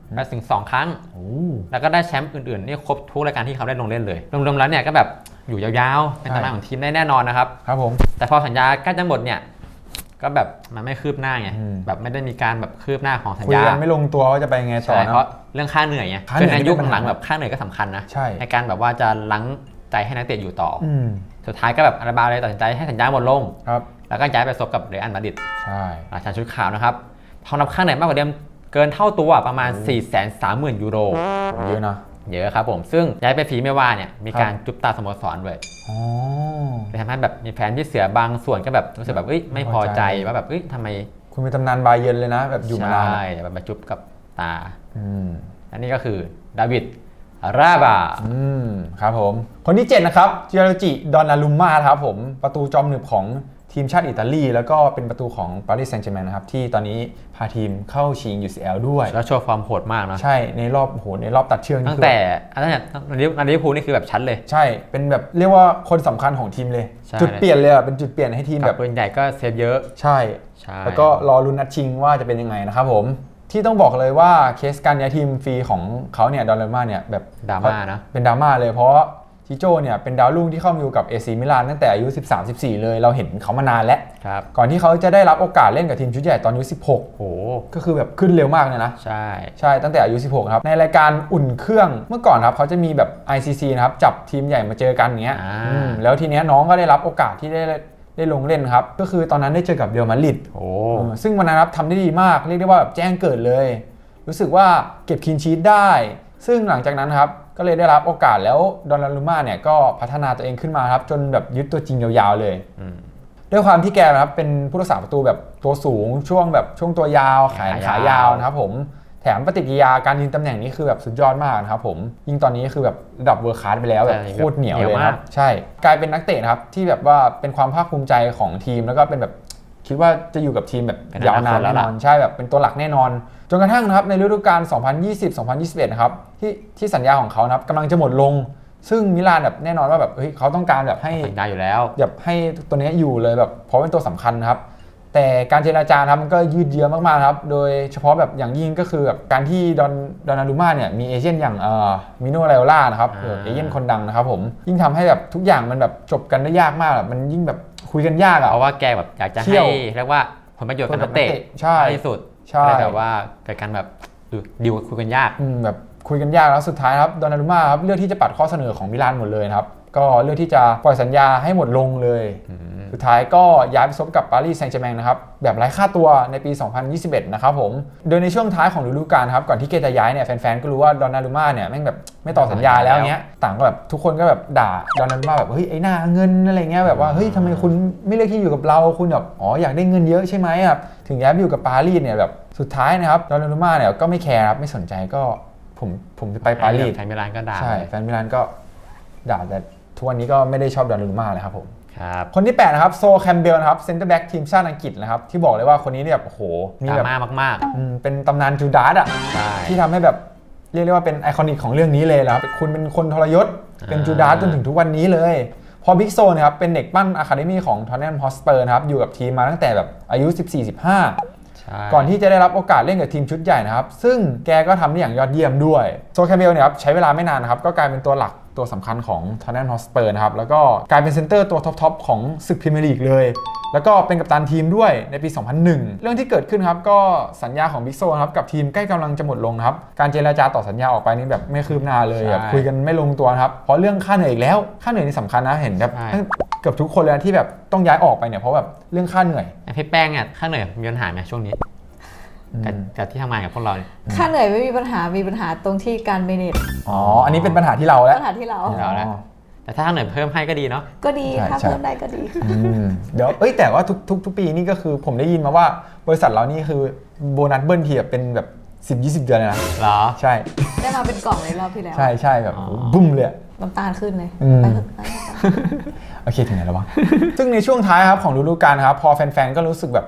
Speaker 3: ไปถึงสองครั้ง
Speaker 2: โอ้
Speaker 3: แล้วก็ได้แชมป์อื่นๆนี่ครบทุกรายการที่เขาได้ลงเล่นเลยรวมๆแล้วเนี่ยก็แบบอยู่ยาวๆเป็นตำนานของทีมได้แน่นอนนะครับ
Speaker 2: ครับผม
Speaker 3: แต่พอสัญญาใกล้จะหมดเนี่ยก็แบบมันไม่คืบหน้าไง
Speaker 2: อืม
Speaker 3: แบบไม่ได้มีการแบบคืบหน้าของสัญ
Speaker 2: คุย
Speaker 3: ญา
Speaker 2: กันไม่ลงตัวว่าจะไปยังไงต่อ
Speaker 3: ใช่
Speaker 2: นะ
Speaker 3: เพราะเรื่องค่าเหนื่อยไง
Speaker 2: ค่าเหนื่
Speaker 3: คือ
Speaker 2: อย
Speaker 3: ในยุค
Speaker 2: นี่เป็นปัญ
Speaker 3: หลั
Speaker 2: หาง
Speaker 3: ๆแบบค่าเหนื่อยก็สำคัญนะ
Speaker 2: ใช่
Speaker 3: การแบบว่าจะลังใจให้นักเตะอยู่ต่ออ
Speaker 2: อืม
Speaker 3: สุดท้ายก็แบบอาราบาเลยตัดสินใจให้สัญญาหมดลง
Speaker 2: ครับ
Speaker 3: แล้วก็ย้ายไปซบกับเรอัลมาดริด
Speaker 2: ใช่
Speaker 3: ราชาชุดขาวนะครับทองรับค่าเหนื่อยมากกว่าเดิมเกินเท่าตัวประมาณ สี่แสนสามหมื่น ยูโร
Speaker 2: เยอะนะ
Speaker 3: เยอะครับผมซึ่งย้ายไปฟีเมว่าเนี่ยมีการจุบตาสโมสรด้วย
Speaker 2: อ๋อ
Speaker 3: เลยทำให้แบบมีแฟนที่เสียบางส่วนก็แบบรู้สึกแบบเอ้ยไม่พอใจ
Speaker 2: ไม่พอใจ
Speaker 3: ว่าแบบเอ้ยทำไม
Speaker 2: คุณเป็นตำนานบาเยิร์นเลยนะ แบบอยู่มานาน
Speaker 3: ใช่แบบมาจุบกับตา
Speaker 2: อืม
Speaker 3: อันนี้ก็คือดาวิดราบา
Speaker 2: อืมครับผม คนที่เจ็ดนะครับเจียโรจิดอนนารุมมาครับผมประตูจอมหนึบของทีมชาติอิตาลีแล้วก็เป็นประตูของปารีสแซงต์แชร์แมงนะครับที่ตอนนี้พาทีมเข้าชิง ยู ซี แอล ด้วย
Speaker 3: แล้วโชว์ความโหดมากเนาะ
Speaker 2: ใช่ในรอบโอ้โหในรอบตัดเชือกนี่
Speaker 3: ตั้ง
Speaker 2: คือ
Speaker 3: แต่อันนั้นเนี่ยนันลิเวอร์พูลนี่คือแบบชัดเลย
Speaker 2: ใช่เป็นแบบเรียกว่าคนสำคัญของทีมเลย
Speaker 3: ใช่
Speaker 2: จุดเปลี่ยนเลยอ่ะเป็นจุดเปลี่ยนให้ทีม
Speaker 3: กั
Speaker 2: แบบ บ
Speaker 3: ปืนใหญ่ก็เซฟเยอะ
Speaker 2: ใช่
Speaker 3: ใช่
Speaker 2: แล้วก็รอลุ้นนัดชิงว่าจะเป็นยังไงนะครับผมที่ต้องบอกเลยว่าเคสการย้ายทีมฟรีของเขาเนี่ยดอนนารุมมาเนี่ยแบบ
Speaker 3: ดราม่านะ
Speaker 2: เป็นดราม่าเลยเพราะจิโจ้เนี่ยเป็นดาวรุ่งที่เข้ามาอยู่กับ เอ ซี มิลานตั้งแต่อายุ สิบสาม สิบสี่ เลยเราเห็นเขามานานแล้ว
Speaker 3: ครับ
Speaker 2: ก่อนที่เขาจะได้รับโอกาสเล่นกับทีมชุดใหญ่ตอนอายุสิบหก
Speaker 3: โห
Speaker 2: ก็คือแบบขึ้นเร็วมากเลยนะ
Speaker 3: ใช่
Speaker 2: ใช่ตั้งแต่อายุสิบหกครับในรายการอุ่นเครื่องเมื่อก่อนครับเขาจะมีแบบ ไอ ซี ซี นะครับจับทีมใหญ่มาเจอกันอย่างเงี้ย
Speaker 3: อ่า
Speaker 2: อืมแล้วทีเนี้ยน้องก็ได้รับโอกาสที่ได้ได้ลงเล่นครับก็คือตอนนั้นได้เจอกับเรอัลมาดริด
Speaker 3: โอ้
Speaker 2: เออซึ่งวันนั้นครับทำได้ดีมากเรียกได้ว่าแบบแจ้งเกิดเลย รู้สึกว่าเก็บคลีนชีทได้ ซึ่งหลังจากนั้นครับก็เลยได้รับโอกาสแล้วดอนนารุมมาเนี่ยก็พัฒนาตัวเองขึ้นมาครับจนแบบยึดตัวจริงยาวๆเลย
Speaker 3: อืม
Speaker 2: ด้วยความที่แกนะครับเป็นผู้รักษาประตูแบบตัวสูงช่วงแบบช่วงตัวยาวแขนขายาวนะครับผมแถมปฏิกิริยาการยืนตำแหน่งนี้คือแบบสุดยอดมากนะครับผมยิ่งตอนนี้คือแบบระดับเวอร์คลาสไปแล้วแบบโคตรเหนียวเลยครับใช่กลายเป็นนักเตะนะครับที่แบบว่าเป็นความภาคภูมิใจของทีมแล้วก็เป็นแบบคิดว่าจะอยู่กับทีมแบบยาวนานแน่นอนใช่แบบเป็นตัวหลักแน่นอนจนกระทั่งนะครับในฤดูกาล สองพันยี่สิบ สองพันยี่สิบเอ็ด นะครับที่ที่สัญญาของเขานะครับกำลังจะหมดลง ซึ่งมิลานแบบแน่นอนว่าแบบเฮ้ยเขาต้องการแบบให้
Speaker 3: สัญญาอยู่แล้ว
Speaker 2: แบบให้ตัวนี้อยู่เลยแบบเพราะเป็นตัวสำคัญนะครับแต่การเจรจาครับมันก็ยืดเยื้อมากๆครับโดยเฉพาะแบบอย่างยิ่งก็คือแบบการที่ดอนดอนนารุม่าเนี่ยมีเอเจนต์อย่างเอ่อมิโนไรโอล่านะครับ
Speaker 3: อ่า
Speaker 2: เออเอเจนต์คนดังนะครับผมยิ่งทำให้แบบทุกอย่างมันแบบจบกันได้ยากมากแบบมันยิ่งแบบคุยกันยากอ่ะ
Speaker 3: เพราะว่าแกแบบอยากจะ
Speaker 2: เที่
Speaker 3: ให้
Speaker 2: ยว
Speaker 3: เรียกว่าผลประโยชน์กับนักเตะ
Speaker 2: ใช่
Speaker 3: มากที่สุด
Speaker 2: ใช่
Speaker 3: ก็เลยแบบว่าเกิดการแบบดิวคุยกันยาก
Speaker 2: อืมแบบคุยกันยากแล้วสุดท้ายครับดอนนารุม่าครับเลือกที่จะปัดข้อเสนอของมิลานหมดเลยนะครับก็เลือกที่จะปล่อยสัญญาให้หมดลงเลย สุดท้ายก็ย้ายไปซบกับปารีสแซงต์แชร์แมงนะครับแบบไร้ค่าตัวในปี สองพันยี่สิบเอ็ด นะครับผมโดยในช่วงท้ายของฤดูกาลครับก่อนที่เกจะย้ายเนี่ยแฟนๆก็รู้ว่าดอนนารุม่าเนี่ยแม่งแบบไม่ต่อสัญญาแล้วเงี้ยต่างก็แบบทุกคนก็แบบด่าดอนนารุม่าแบบเฮ้ยไอ้หน้าเงินอะไรเงี้ยแบบว่าเฮ้ยทำไมคุณไม่เลือกที่อยู่กับเราคุณแบบอ๋ออยากได้เงินเยอะใช่ไหมครับถึงย้ายไปอยู่กับปารีสเนี่ยแบบสุดท้ายนะครับดอนนารุม่าเนี่ยก็ไม่แคร์ครับไม่สนใจก็ผมผมจะไปปารีส
Speaker 3: แฟนมิลานก็ด่า
Speaker 2: ใช่แฟนมิลานก็ด่าแต่ทุกวันนี้ก็ไม่ได้ชอบดอนนารุม่าเลยครับผม
Speaker 3: ครับ
Speaker 2: คนที่แปดนะครับโซแคมเบลนะครับเซนเตอร์แบ็กทีมชาติอังกฤษนะครับที่บอกเลยว่าคนนี้เนี่ยโอ้โหมี
Speaker 3: ด
Speaker 2: แบบ
Speaker 3: ราม่ามาก
Speaker 2: อืมเป็นตำนานจูดาสอ่ะ
Speaker 3: ๆใช่
Speaker 2: ที่ทำให้แบบเรียกได้ว่าเป็นไอคอนิกของเรื่องนี้เลยนะครับคุณเป็นคนทรยศเป็นจูดาสจนถึงทุกวันนี้เลยพอบิ๊กโซนะครับเป็นเด็กปั้นอะคาเดมี่ของทอนแนมฮอสเปอร์นะครับอยู่กับทีมมาตั้งแต่แบบอายุ สิบสี่ สิบห้า
Speaker 3: ใช่
Speaker 2: ก่อนที่จะได้รับโอกาสเล่นกับทีมชุดใหญ่นะครับซึ่งแกก็ทำได้อย่างยอดเยี่ยมด้วยโซแคมเบลเนี่ยครับใช้เวลาไม่นานนะครับก็กลายเป็นตัวหลักตัวสำคัญของทอนแนมฮอสเปอร์นะครับแล้วก็กลายเป็นเซนเตอร์ตัวท็อปๆของศึกพรีเมียร์ลีกเลยแล้วก็เป็นกัปตันทีมด้วยในปี สองพันหนึ่ง เรื่องที่เกิดขึ้นครับก็สัญญาของบิ๊กโซนะครับกับทีมใกล้กำลังจะหมดลงนะครับการเจรจาต่อสัญญาออกไปนี่แบบไม่คืบหน้าเลยแบบคุยกันไม่ลงตัวนะครับเพราะเรื่องค่าเหนื่อยอีกแล้วค่าเหนื่อยนี่สำคัญนะเห็นแบบเกือบทุกคนเลยนะที่แบบต้องย้ายออกไปเนี่ยเพราะแบบเรื่องค่าเหนื่อย
Speaker 3: ไอ้พี่แป้งเนี่ยค่าเหนื่อยมีปัญหาไหมช่วงนี้กับกับที่ทำงานกับพวกเราเนี่ย
Speaker 1: ค่าเหนื่อยไม่มีปัญหามีปัญหาตรงที่การเมเนจ
Speaker 2: อ๋ออันนี้เป็นปัญหาที่เราแล้ว
Speaker 1: ปัญหาที่เรา
Speaker 3: เราแล้ว แต่ถ้าค่าเหนื่อยเพิ่มให้ก็ดีเนาะ
Speaker 1: ก็ดี
Speaker 2: ใช่
Speaker 1: ถ้า
Speaker 2: ใช่
Speaker 1: เพิ่มได้ก็ดีค่ะ
Speaker 2: อืมเดี๋ยวเอ้ยแต่ว่าทุกทุกทุกปีนี่ก็คือผมได้ยินมาว่าบริษัทเรานี่คือโบนัสเบิ้ลทีแบบเป็นแบบ สิบ ยี่สิบ เดือนเลยนะ
Speaker 3: เหรอ
Speaker 2: ใช่
Speaker 1: ได้มาเป็นกล่องในรอบที่แล้ว
Speaker 2: ใช่ใช่แบบ
Speaker 3: อ๋อ
Speaker 2: บุ้มเลย
Speaker 1: น้ำตาลขึ้นเลย
Speaker 2: อืม
Speaker 1: ไปเถอะไปเถอะ
Speaker 2: โอเคถึงไหนแล้ววะ ซึ่งในช่วงท้ายครับของฤดูกาลครับพอแฟนๆก็รู้สึกแบบเฮ้ยป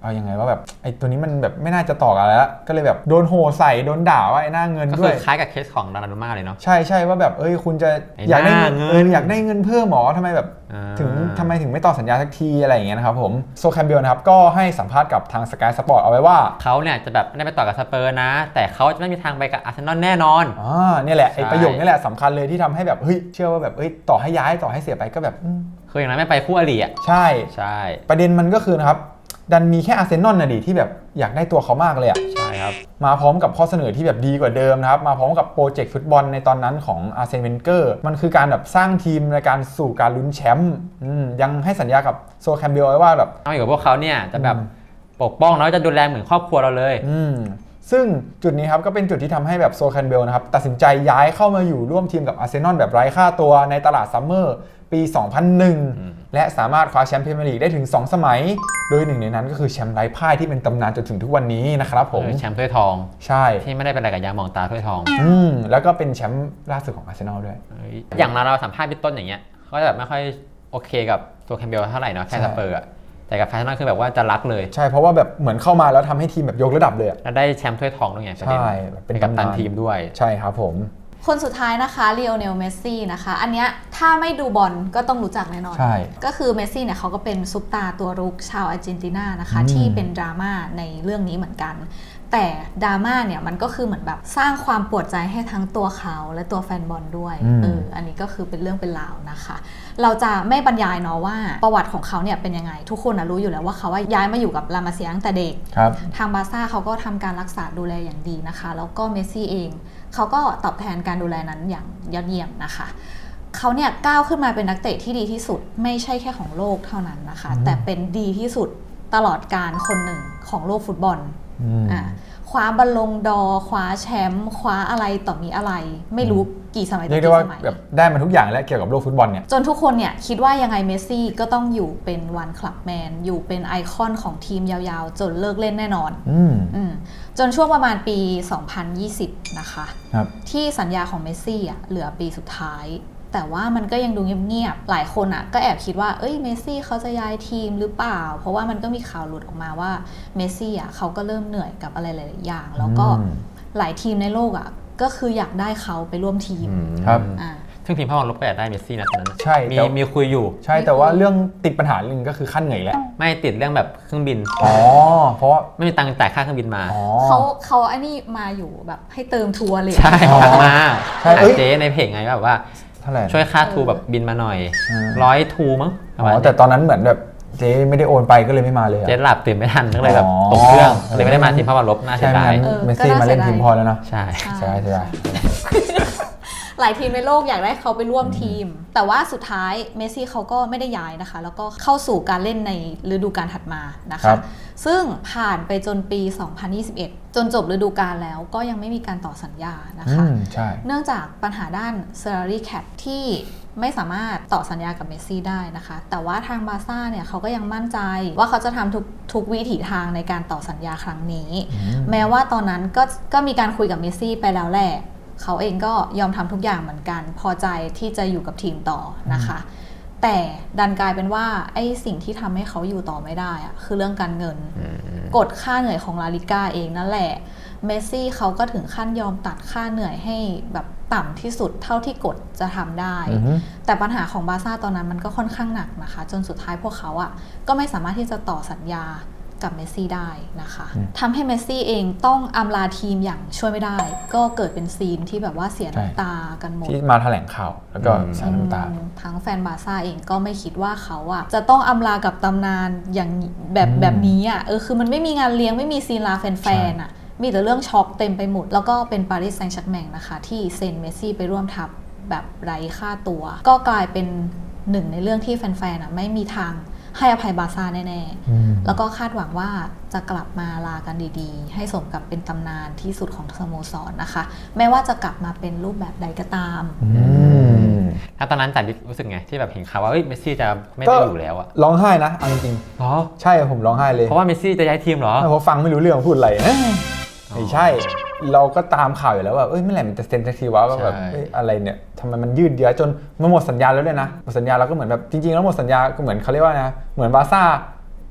Speaker 2: เอายังไงว่าแบบไอ้ตัวนี้มันแบบไม่น่าจะต่อกันแล้วก็เลยแบบโดนโห่ใส่โดนด่าว่าไอ้หน้าเงิน
Speaker 3: ก็
Speaker 2: ด้
Speaker 3: คื
Speaker 2: วย
Speaker 3: อคล้ายกับเคสของดารานูม่าเลยเนาะ
Speaker 2: ใช่ใช่ว่าแบบเอ้ยคุณจะ
Speaker 3: ไอ้
Speaker 2: อยากได้
Speaker 3: หน้า
Speaker 2: เงิน
Speaker 3: เงิน
Speaker 2: เอออยากได้เงินเพิ่มหมอทำไมแบบ
Speaker 3: อ่า
Speaker 2: ถึงทำไมถึงไม่ต่อสัญญาสักทีอะไรอย่างเงี้ยนะครับผมโซแคมเบลนะครับก็ให้สัมภาษณ์กับทาง Sky Sport เอาไว้ว่า
Speaker 3: เขาเนี่ยจะแบบไม่ได้ไปต่อกับสเปอร์นะ แต่เขาจะไม่มีทางไปกับอาร์เซนอลแน่นอน
Speaker 2: อ่าเนี่ยแหละไอ้
Speaker 3: ใช่
Speaker 2: ประโยคนี้แหละสำคัญเลยที่ทำให้แบบเฮ้ยเชื่อว่าแบบเฮ้ยต่อให้ย้ายต่อให้เสียไปก็แบบอืม
Speaker 3: คืออย่างนั้นไม่ไปคู่อริอ่ะ
Speaker 2: ใช่
Speaker 3: ใช่
Speaker 2: ประเด็นมันก็คือนะครับดันมีแค่อาร์เซนอลนะดิที่แบบอยากได้ตัวเขามากเลยอะ
Speaker 3: ใช่ครับ
Speaker 2: มาพร้อมกับข้อเสนอที่แบบดีกว่าเดิมนะครับมาพร้อมกับโปรเจกต์ฟุตบอลในตอนนั้นของอาร์เซนเวนเกอร์มันคือการแบบสร้างทีมในการสู่การลุ้นแชมป์อืมยังให้สัญญากับโซแคมเบลไว้ว่าแบบ
Speaker 3: เอาอยู่กับพวกเขาเนี่ยจะแบบ
Speaker 2: อืม
Speaker 3: ปกป้องแล้วจะดูแลเหมือนครอบครัวเราเลย
Speaker 2: อืมซึ่งจุดนี้ครับก็เป็นจุดที่ทำให้แบบโซแคนเบลนะครับตัดสินใจย้ายเข้ามาอยู่ร่วมทีมกับอาร์เซนอลแบบไร้ค่าตัวในตลาดซัมเมอร์ปี สองพันหนึ่ง
Speaker 3: อืม
Speaker 2: และสามารถคว้าแชมป์พรีเมียร์ลีกได้ถึง สอง สมัย โดยหนึ่งในนั้นก็คือแชมป์ไร้พ่ายที่เป็นตำนานจนถึงทุกวันนี้นะครับผม
Speaker 3: เออแชมป์ถ้วยทอง
Speaker 2: ใช่
Speaker 3: ที่ไม่ได้เป็นอะไรกับยามองตาถ้วยทอง
Speaker 2: อืมแล้วก็เป็นแชมป์ล่าสุดของอาร์เซนอลด้วย
Speaker 3: เอ้ยอย่างเราเราสัมภาษณ์พี่ต้นอย่างเงี้ยเขาจะแบบไม่ค่อยโอเคกับตัวแคมเบลเท่าไหร่เนาะแค่
Speaker 2: ใช่
Speaker 3: สเปอร์อะแต่กับแฟชั่นคือแบบว่าจะรักเลย
Speaker 2: ใช่เพราะว่าแบบเหมือนเข้ามาแล้วทำให้ทีมแบบยกระดับเลยอะ
Speaker 3: แล้วได้แชมป์ถ้วยทองด้วยไงประเด็น
Speaker 2: ใช่แบบเป็น
Speaker 3: เป็นกัปตัน
Speaker 2: ตำนาน
Speaker 3: ทีมด้วย
Speaker 2: ใช่ครับผม
Speaker 1: คนสุดท้ายนะคะลีโอเนลเมสซี่นะคะอันเนี้ยถ้าไม่ดูบอลก็ต้องรู้จักแน่นอน
Speaker 2: ใช่
Speaker 1: ก็คือเมสซี่เนี่ยเขาก็เป็นซุปตาร์ตัวรุกชาวอาร์เจนตินานะคะ
Speaker 2: อืม
Speaker 1: ที่เป็นดราม่าในเรื่องนี้เหมือนกัน แต่ดราม่าเนี่ยมันก็คือเหมือนแบบสร้างความปวดใจให้ทั้งตัวเขาและตัวแฟนบอลด้วยเอออันนี้ก็คือเป็นเรื่องเป็นราวนะคะ เราจะไม่บรรยายเนาะว่าประวัติของเขาเนี่ยเป็นยังไง ทุกคนนะรู้อยู่แล้วว่าเขาว่าย้ายมาอยู่กับลามาเซียตั้งแต่เด็ก
Speaker 2: ครับ
Speaker 1: ทางบาร์ซ่าเขาก็ทำการรักษาดูแลอย่างดีนะคะ แล้วก็เมสซี่เองเขาก็ตอบแทนการดูแลนั้นอย่างยอดเยี่ยมนะคะเขาเนี่ยก้าวขึ้นมาเป็นนักเตะที่ดีที่สุดไม่ใช่แค่ของโลกเท่านั้นนะคะ
Speaker 2: อืม
Speaker 1: แต่เป็นดีที่สุดตลอดการคนหนึ่งของโลกฟุตบอล
Speaker 2: อืม
Speaker 1: อ่ะคว้าบอลลงดอร์คว้าแชมป์คว้าอะไรต่อมีอะไร ไม่รู้กี่สมัย
Speaker 2: เรียกได้
Speaker 1: กี่
Speaker 2: ว่า
Speaker 1: สมัย
Speaker 2: แบบได้มาทุกอย่างแล้วเกี่ยวกับโลกฟุตบอลเนี่ย
Speaker 1: จนทุกคนเนี่ยคิดว่ายังไงเมสซี่ก็ต้องอยู่เป็นวันคลับแมนอยู่เป็นไอคอนของทีมยาวๆ จนเลิกเล่นแน่นอน
Speaker 2: อืม
Speaker 1: อืมจนช่วงประมาณปี สองพันยี่สิบ นะคะ
Speaker 2: ครับ
Speaker 1: ที่สัญญาของเมสซี่อ่ะเหลือปีสุดท้าย แต่ว่ามันก็ยังดูเงียบๆ หลายคนอ่ะก็แอบคิดว่าเอ้ยเมสซี่เขาจะย้ายทีมหรือเปล่า เพราะว่ามันก็มีข่าวหลุดออกมาว่าเมสซี่อ่ะเขาก็เริ่มเหนื่อยกับอะไรหลายๆอย่าง แล้วก็
Speaker 2: อืม
Speaker 1: หลายทีมในโลกอ่ะก็คืออยากได้เขาไปร่วมทีม
Speaker 2: ครับ
Speaker 1: อ่า
Speaker 3: ซึ่งทีมพ่อของลบก็อยากได้เมสซี่นะตอนนั้นนะ
Speaker 2: ใช่
Speaker 3: มี
Speaker 2: แต่
Speaker 3: มีคุยอยู่
Speaker 2: ใช่แต่ว่าเรื่องติดปัญหาหนึ่งก็คือขั้นเหนื่อยแหละ
Speaker 3: ไม่ติดเรื่องแบบเครื่องบิน
Speaker 2: อ๋อเพราะว่า
Speaker 3: ไม่มีตังค์จ่ายค่าเครื่องบินมา
Speaker 2: อ๋อ
Speaker 1: เขาเขาไอ้นี่มาอยู่แบบให้เติมทัวร์เลย
Speaker 3: ใช่
Speaker 2: อ๋อ
Speaker 3: กลับมา
Speaker 2: ใช่
Speaker 3: หา
Speaker 2: เอ้ย
Speaker 3: เจ๊ในเพจไงแบบว่า
Speaker 2: เท่าไหร่
Speaker 3: ช่วยค่าทูแบบบินมาหน่อย
Speaker 2: อืม
Speaker 3: ร้อยทูมั้ง
Speaker 2: อ๋อแต่ตอนนั้นเหมือนแบบเจ๊ไม่ได้โอนไปก็เลยไม่มาเลยอะ
Speaker 3: เจ๊หลับตื่นไม่ทันก็เลยแบบ
Speaker 2: อ๋อ
Speaker 3: ตกเครื่องเลยไม่ได้มาทีมพ่อของลบน่าเสี
Speaker 2: ใช่
Speaker 3: ย
Speaker 2: ไหม
Speaker 3: ดาย
Speaker 2: งั้นเมสซี่มาเล่นทีมพอแล้วเนาะ
Speaker 3: ใช่
Speaker 2: ใช่ใช่
Speaker 1: หลายทีมในโลกอยากได้เขาไปร่วมทีม แต่ว่าสุดท้ายเมสซี่เขาก็ไม่ได้ย้ายนะคะ แล้วก็เข้าสู่การเล่นในฤดูกาลถัดมานะ
Speaker 2: ครั
Speaker 1: คะ
Speaker 2: บ
Speaker 1: ซึ่งผ่านไปจนปี สองพันยี่สิบเอ็ด จนจบฤดูกาลแล้วก็ยังไม่มีการต่อสัญญานะ
Speaker 2: อื
Speaker 1: คะ
Speaker 2: มใช่
Speaker 1: เนื่องจากปัญหาด้าน salary cap ที่ไม่สามารถต่อสัญญากับเมสซี่ได้นะคะ แต่ว่าทางบาร์ซ่าเนี่ยเขาก็ยังมั่นใจว่าเขาจะทำทุกทุกวิถีทางในการต่อสัญญาครั้งนี้
Speaker 2: อืม
Speaker 1: แม้ว่าตอนนั้นก็ก็มีการคุยกับเมสซี่ไปแล้วแหละ เขาเองก็ยอมทำทุกอย่างเหมือนกัน พอใจที่จะอยู่กับทีมต่อนะคะ แต่ดันกลายเป็นว่าไอ้สิ่งที่ทำให้เขาอยู่ต่อไม่ได้อะคือเรื่องการเงิน กฎค่าเหนื่อยของลาลิก้าเองนั่นแหละเมสซี่เขาก็ถึงขั้นยอมตัดค่าเหนื่อยให้แบบต่ำที่สุดเท่าที่กฎจะทำได้
Speaker 2: อือฮึ
Speaker 1: แต่ปัญหาของบาร์ซ่าตอนนั้นมันก็ค่อนข้างหนักนะคะ จนสุดท้ายพวกเขาอะก็ไม่สามารถที่จะต่อสัญญากับเมสซี่ได้นะคะทำให้เมสซี่เองต้องอำลาทีมอย่างช่วยไม่ได้ ก็เกิดเป็นซีนที่แบบว่าเสียน้ำตากันหมด
Speaker 2: ที่มาแถลงข่าวแล้วก็
Speaker 3: อืม
Speaker 2: ใส่น้ำตา
Speaker 1: อืมทั้งแฟนบาร์ซ่าเองก็ไม่คิดว่าเขาอะจะต้องอำลากับตำนานอย่างแบบ
Speaker 2: อืม
Speaker 1: แบบนี้อะเออคือมันไม่มีงานเลี้ยงไม่มีซีนลาแฟนๆอะมีแต่เรื่องช็อกเต็มไปหมด แล้วก็เป็นปารีสแซงต์แชร์กแมงนะคะ ที่เซ็นเมสซี่ไปร่วมทัพแบบไร้ค่าตัว ก็กลายเป็นหนึ่งในเรื่องที่แฟนๆอะไม่มีทางให้อภัยบาร์ซ่าแน่ๆ
Speaker 2: อืม
Speaker 1: แล้วก็คาดหวังว่าจะกลับมาลากันดีๆ ให้สมกับเป็นตำนานที่สุดของสโมสรนะคะแม้ว่าจะกลับมาเป็นรูปแบบใดก็ตาม
Speaker 2: อืม
Speaker 3: ถ้าตอนนั้นจ่ายรู้สึกไงที่แบบเห็นข่าวว่าเอ้ยเมสซี่จะไม่ได้อยู่แล้วอะ
Speaker 2: ร้องไห้นะเอาจริง
Speaker 3: เหรอ
Speaker 2: ๆใช่ผมร้องไห้เลย
Speaker 3: เพราะว่าเมสซี่จะย้ายทีมเหรอ
Speaker 2: เพราะฟังไม่รู้เรื่องพูดอะไรเอ้ย
Speaker 3: อ๋อ
Speaker 2: ไม่ใช่ เราก็ตามข่าวอยู่แล้วว่าเอ้ยเมื่อไหร่มันจะเซ็นสักทีวะว่าแบบ
Speaker 3: ใช่
Speaker 2: เอ้ยอะไรเนี่ยทำไมมันยืดเยื้อจนมันหมดสัญญาแล้วด้วยนะหมดสัญญาเราก็เหมือนแบบจริงๆแล้วหมดสัญญาก็เหมือนเขาเรียกว่านะเหมือนบาร์ซ่า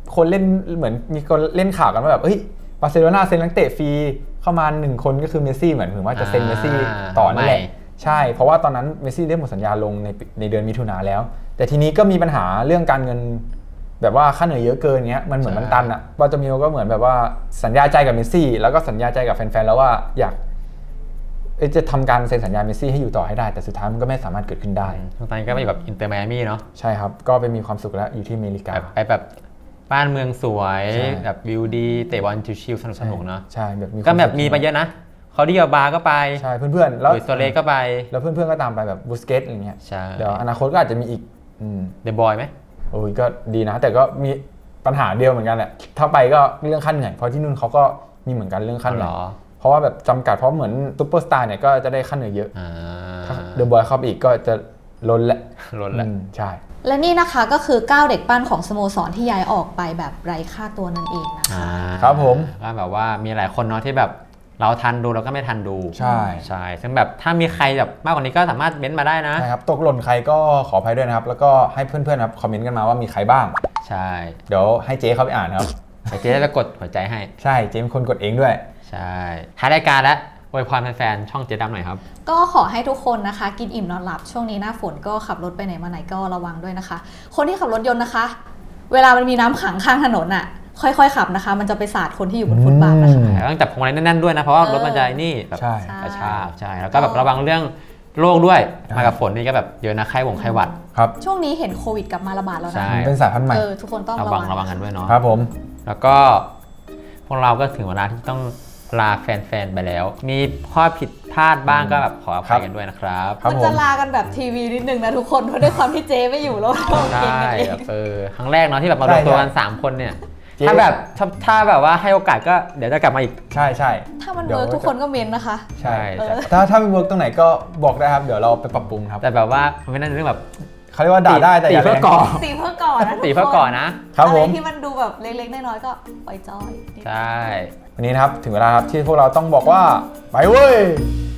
Speaker 2: คนเล่นเหมือนมีคนเล่นข่าวกันว่าแบบเฮ้ยบาร์เซโลนาเซ็นนักเตะฟรีเข้ามาหนึ่งคนก็คือเมสซี่เหมือนถึงว่าจะเซ็นเมสซี่ต่อนั่นแหละใช่เพราะว่าตอนนั้นเมสซี่ได้หมดสัญญาลงในในเดือนมิถุนาแล้วแต่ทีนี้ก็มีปัญหาเรื่องการเงินแบบว่าค่าเหนื่อยเยอะเกินเงี้ยมันเหมือนมันตันอ่ะบาร์โตมิโอก็เหมือนแบบว่าสัญญาใจกับเมสซี่แล้วก็สัญญาใจกับแฟนๆแล้วว่าอยากจะทำการเซ็นสัญญาเมสซี่ให้อยู่ต่อให้ได้แต่สุดท้ายมันก็ไม่สามารถเกิดขึ้นได้
Speaker 3: ตอนนี้ก็ไปอยู่แบบอินเตอร์ไมอามี่เนาะ
Speaker 2: ใช่ครับก็ไปมีความสุขแล้วอยู่ที่อเมริกา
Speaker 3: ไปแบบบ้านเมืองสวยแบบวิวดีเตะบอลชิลๆสนุกๆเนาะ
Speaker 2: ใช่แบบมี
Speaker 3: ก็แบบมีไปเยอะนะเขาดีกับบาร์ก็ไป
Speaker 2: ใช่เพื่อนๆแล้ว
Speaker 3: โซเลก็ไป
Speaker 2: แล้วเพื่อนๆก็ตามไปแบบบูสเกตอะไรเงี้ย
Speaker 3: ใช่
Speaker 2: เดี๋ยวอนาคตก็อาจจะมีอีก
Speaker 3: เดอะบอยไหม
Speaker 2: โอ้ยก็ดีนะแต่ก็มีปัญหาเดียวเหมือนกันแหละถ้าไปก็เรื่องขั้นเหนื่อยเพราะที่นู่นเขาก็มีเหมือนกันเรื่องขั้นเหนื่อยเพราะว่าแบบจำกัดเพราะเหมือนซุปเปอร์สตาร์เนี่ยก็จะได้ขั้นเหนื่อยเยอะถ้าเดอะบอยเข้าไปอีกก็จะล้นและ
Speaker 3: ล้นและ
Speaker 2: ใช่
Speaker 1: และนี่นะคะก็คือเก้าเด็กปั้นของสโมสรที่ย้ายออกไปแบบไร้ค่าตัวนั่นเองนะคะ
Speaker 2: ครับผม
Speaker 3: ก็แบบว่ามีหลายคนเนาะที่แบบเราทันดูเราก็ไม่ทันดู
Speaker 2: ใช่
Speaker 3: ใช่ซึ่งแบบถ้ามีใครแบบมากกว่านี้ก็สามารถเม้นต์มาได้นะ
Speaker 2: ใช่ครับตกหล่นใครก็ขออภัยด้วยนะครับแล้วก็ให้เพื่อนๆครับคอมเมนต์กันมาว่ามีใครบ้าง
Speaker 3: ใช่
Speaker 2: เดี๋ยวให้เจ๊เขาไปอ่านครับ
Speaker 3: เจ๊จะกดหัวใจให้
Speaker 2: ใช่เจ๊เป็นคนกดเองด้วย
Speaker 3: ใช่ท้ายรายการแล้วอวยพรแฟนๆช่องเจ๊ดำหน่อยครับ
Speaker 1: ก็ขอให้ทุกคนนะคะกินอิ่มนอนหลับช่วงนี้หน้าฝนก็ขับรถไปไหนมาไหนก็ระวังด้วยนะคะคนที่ขับรถยนต์นะคะเวลามันมีน้ำขังข้างถนนอ่ะค่อยๆขับนะคะมันจะไปสาดคนที่อยู่บนฟุตบาทนะคะ
Speaker 3: ต้องจับพวงมาลัยแน่นๆด้วยนะเพราะว่ารถมันจะนี่แบบกระชากใช่แล้วก็แบบระวังเรื่องโรคด้วยมากับฝนนี่ก็แบบเยอะนะไข้หวงไข้หวัด
Speaker 2: ครับ
Speaker 1: ช่วงนี้เห็นโควิดกลับมาระบาดแล้วนะ
Speaker 2: เป็นสายพันธุ์ใหม่
Speaker 1: ทุกคนต้อง
Speaker 3: ระวังระวังกันด้วยเนาะ
Speaker 2: ครับผม
Speaker 3: แล้วก็พวกเราก็ถึงเวลาที่ต้องลาแฟนๆไปแล้วมีข้อผิดพลาดบ้างก็แบบขออภัยกันด้วยนะครับ
Speaker 1: มันจะลากันแบบทีวีนิดนึงนะทุกคนเพราะด้วยความที่เจไม่อยู่แล้ว
Speaker 3: ใช่เออครั้งแรกเนาะที่แบบมารวมตัวกันสามคนเนี่ยถ้าแบบถ้าแบบว่าให้โอกาสก็เดี๋ยวจะกลับมาอีก
Speaker 2: ใช่ใช่
Speaker 1: ถ้ามันเวิร์กทุกคนก็เมนนะคะ
Speaker 2: ใช่ถ้าถ้ามันเวิร์กตรงไหนก็บอกได้ครับเดี๋ยวเราไปปรับปรุงครับ
Speaker 3: แต่แบบว่ามันไม่น่าจะเรื่องแบบ
Speaker 2: เขาเรียกว่าด่าได้แต่
Speaker 3: อย่าเพื่อก่อ
Speaker 1: ตีเพื่อก่อนนะ
Speaker 3: ตีเพื่อก่อนนะ
Speaker 1: อะไรที่มันดูแบบเล็กๆน้อยๆก็ปล่อยจอย
Speaker 3: ใช่
Speaker 2: วันนี้นะครับถึงเวลาครับที่พวกเราต้องบอกว่าไปเว้ย